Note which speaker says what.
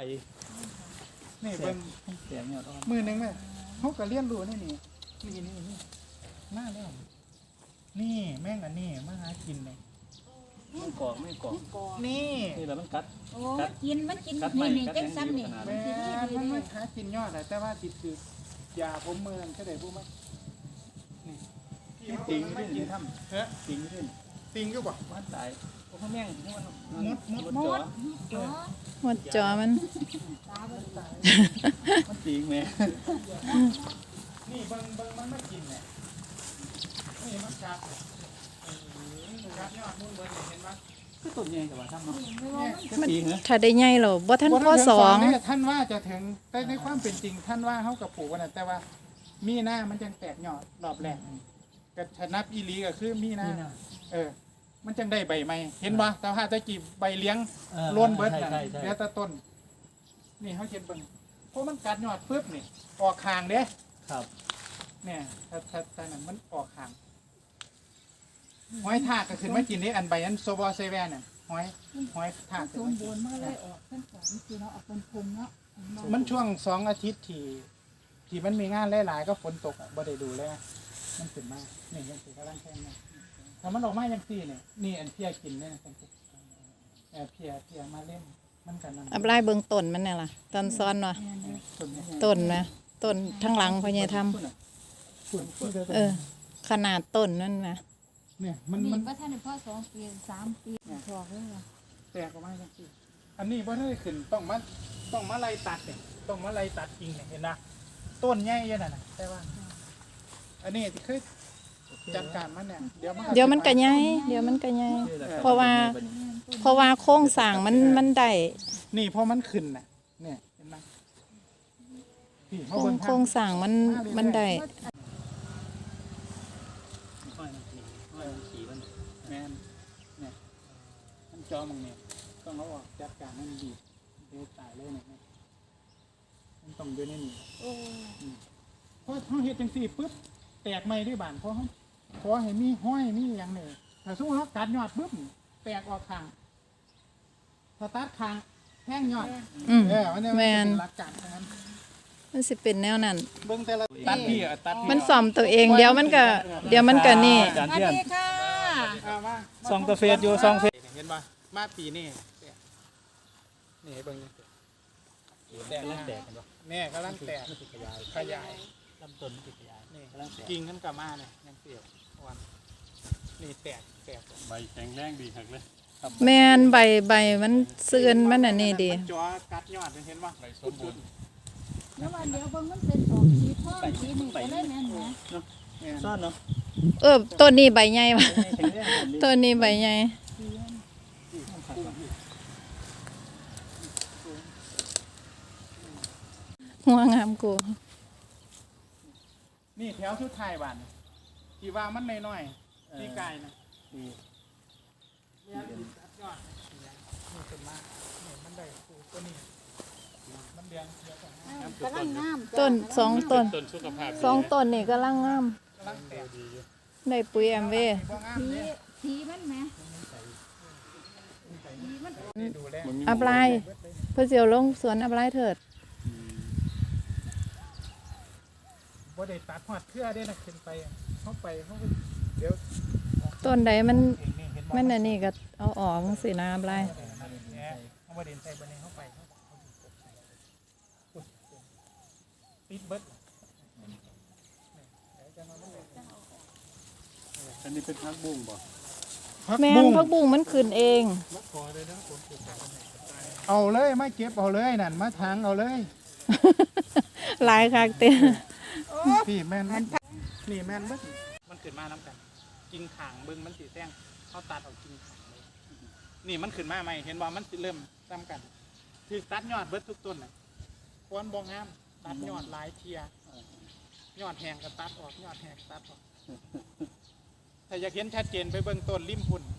Speaker 1: นี่เบิ่ง
Speaker 2: เสียงเนี่ยอ่อน
Speaker 1: มือหนึงแม่เขาก็เรียนรู้นี่นี่มาแล้วนี่แม่งอันนี้มาหากินเลย
Speaker 2: ไม่กรอกไม่กรอก
Speaker 1: นี่
Speaker 2: นี่แหละมันกัด
Speaker 3: โอ้มันกินนี่จังซ้ำนี่
Speaker 1: แม่มันมาหากินยอดแต่ว่าติดคือยาผมเมืองก็ได้พูดไหมนี่
Speaker 2: ติง
Speaker 1: ไม่
Speaker 2: ขึ้น
Speaker 1: กินทำเฮ้ย
Speaker 2: ติงขึ้น
Speaker 1: ติงก็บอก
Speaker 2: มันตายโอ้ข้าแม่งมัน
Speaker 3: หมดจ๋อ
Speaker 4: หมดจอมัน
Speaker 3: ตาบ่ตาย
Speaker 2: มันติงแม่
Speaker 1: นี่เบิ่งมันไม่กินเนี่ยนี่มันกัดกัดยอดมุ่นเบิ่งเห็นไหม
Speaker 2: คือต้นใหญ่แต่ว่าทำเนาะ
Speaker 3: ไม่ว่า
Speaker 2: จะปีเหรอ
Speaker 4: ถ้าได้ใหญ่หรอบ่ท่านพ่อสอง
Speaker 1: ท่านว่าจะถึงแต่ในความเป็นจริงท่านว่าเขากับปลูกกันแต่ว่ามีหน้ามันจังแตกยอดรอบแรกก็ชนับอีหลีก็คือมีหน้ามันจังได้ใบใหม่เห็นบ่แต่ถ้าตะกี้ใบเลี้ยงล้วนเบิดน่ะเหลือแต่ต้นนี่เขาเห็นเบิ่งเพราะมันกัดยอดปึ๊บนี่ออกคางเด้
Speaker 2: ครับ
Speaker 1: เนี่ยถ้านั้นมันออกคางหอยทากก็ขึ้นมากินนี่อันใบอันโซบอเซเว่นน่ะหอยทาก
Speaker 3: สมบูรณ์มาเลยออกทั้งสองคือเนาะออกเป็นภูมิเนาะ
Speaker 1: มันช่วง2 อาทิตย์ที่มันมีงานหลายๆก็ฝนตกบ่ได้ดูแลมันขึ้นมานี่ยังสิกำลังแข็งมาถ้ามันออกมาจังซี่เนี่ยนี่อันเพียกินเนี่ยนะเพียมาเล่นมันกันนั่น
Speaker 4: อับไล่เบิ่งต้นมันเนี่ยล่ะตอนซ้อนว่ะต้นนะต้นทั้งหลังพ่อใหญ่ทำ
Speaker 1: ฝุ่น
Speaker 4: ขนาดต้นนั่นนะ
Speaker 1: เนี่ยมั
Speaker 3: นี่
Speaker 1: น
Speaker 3: ว่าท่านพ่อ2 ปี3 ปีพอเลยว่ะ
Speaker 1: แตกออกมาจังซี่อันนี้บ่ได้ขึ้นต้องมาไล่ตัดเนี่ยต้องมาไล่ตัดกิ่งเนี่ยเห็นนะต้นใหญ่ยังน่ะแต่ว่า อันนี้ที่เคยจัดการมันเนี่ยเดี๋ยวมัน
Speaker 4: ก็ใหญ่เดี๋ยวมันก็ใหญ่ เพราะว่าโครงสร้างมันได้
Speaker 1: นี่พอมันขึ้นน่ะเนี่ยเห็นไหมพี่เขา
Speaker 4: โคร
Speaker 1: เบิ่
Speaker 4: ง
Speaker 1: ง
Speaker 4: โครงสร้างมันได้
Speaker 2: ห้อยมันขี่มัน
Speaker 1: แมนเนี่ยมันจอมึงเนี่ยต้องเอาออกจัดการให้มันดีเดี๋ยวตายเลยเนี่ยมันต้องอยู่ในนี่
Speaker 3: โอ้
Speaker 1: เพราะเขาเฮ็ดจังซี่ปุ๊บแตกใหม่ด้วยบานเพราะเขาขอให้มีห้อยมีอย่างเนี่ยถ้าสมมติเขาตัดยอดปุ๊บแตกออกข้างถ้าตัดข้างแท่งยอด มันเนี่ย
Speaker 4: แม่น
Speaker 1: เป็นหลักการทั้งนั้น
Speaker 4: มันสิเป็นแนวนั้น
Speaker 1: เบิ่งแต่ละตัดพี่ตัดพี่
Speaker 4: มันซ่อมตัวเองเดี๋ยวมันก็นี่
Speaker 2: อาจารย์
Speaker 3: สวัส
Speaker 2: เพื่อน
Speaker 3: ดีค่ะ
Speaker 1: เอามา
Speaker 2: ซองกาแฟอยู่ซองเฟส
Speaker 1: เห็นป่ะมาปีนี่นี่เบิ่งแตก
Speaker 2: แตกกันปะ
Speaker 1: แน่กำลังแตกขยาย
Speaker 2: ลำต้นติดขยาย
Speaker 1: นี่
Speaker 2: กำลังแตก
Speaker 1: กิ่งขึ้นกลับมาเนี่ยยังเสียววันนี่แตก
Speaker 5: ใบแข็งแรงดีหักเลย
Speaker 4: แม่นใบมันเสื่อนมันอันนี้ดี
Speaker 1: มันจ่อกัดยอดเห็นป่ะ
Speaker 5: ใบสมบูรณ์
Speaker 3: แล้ววันเดียวเบิ่งมันเป็นออกสีทองสีนี่ก็เลยแม่นนะ
Speaker 2: ซ่อนเนาะ
Speaker 4: ต้นนี้ใบใหญ่ว่ะ
Speaker 2: แข็งแรง
Speaker 4: ต้นนี้ใบใหญ่หัวงามกู
Speaker 1: นี่แถวสุดท้ายบ้านที่ว่ามันน้อยๆที่ไกลนะเนี่ยกัดยอดนี่ขึ้นมาเนี่ยมันได้ตัวนี้มันเลี้ยงเยอะกว่า
Speaker 3: กำลังงาม
Speaker 4: ต้นสองต้น
Speaker 5: ต้นสุขภาพ
Speaker 4: สองต้นนี่กำลังงาม
Speaker 1: กำลังแตก
Speaker 4: ได้ปุ๋ยแอมเวย์
Speaker 1: บ่งาม
Speaker 3: สี
Speaker 1: เนี่ย
Speaker 3: สีมันแหม
Speaker 1: ดูแล
Speaker 4: อับไลเพื่อเสียวลงสวนอับไลเถิด
Speaker 1: บ่ได้ตัดหอดเครือได้นะขึ้นไปเข้าไปเขาก็เดี๋ยว
Speaker 4: ต้นใดมัน
Speaker 1: เห็นนี่เห็นบ่
Speaker 4: มันอันนี้ก็เอาออกสินะอับไล
Speaker 1: เขาบ่ได้ใส่บันนี้เข้าไปติดเบิด
Speaker 5: อันนี้เป็นพักบุ้งบ่
Speaker 4: แม่นพักบุ้งมันขึ้นเอง
Speaker 1: เอาเลยไม่เก็บเอาเลยนั่นมาทางเอาเลย
Speaker 4: หลายคักเต้
Speaker 1: พี่แม่นนี่แม่นเบิดมันขึ้นมาน้ำกันกิ่งขางเบิ่งมันสีแท่งเขาตัดออกกิ่งขางเลยนี่มันขึ้นมาใหม่เห็นว่ามันสิเริ่มซ้ำกันคือตัดยอดเบิดทุกต้นน่ะควรบ่งามตัดยอดหลายเทียยอดแห้งก็ตัดออกยอดแห้งตัดออกถ้าอยากเห็นชัดเจนไปเบิ่งต้นริมพุ่น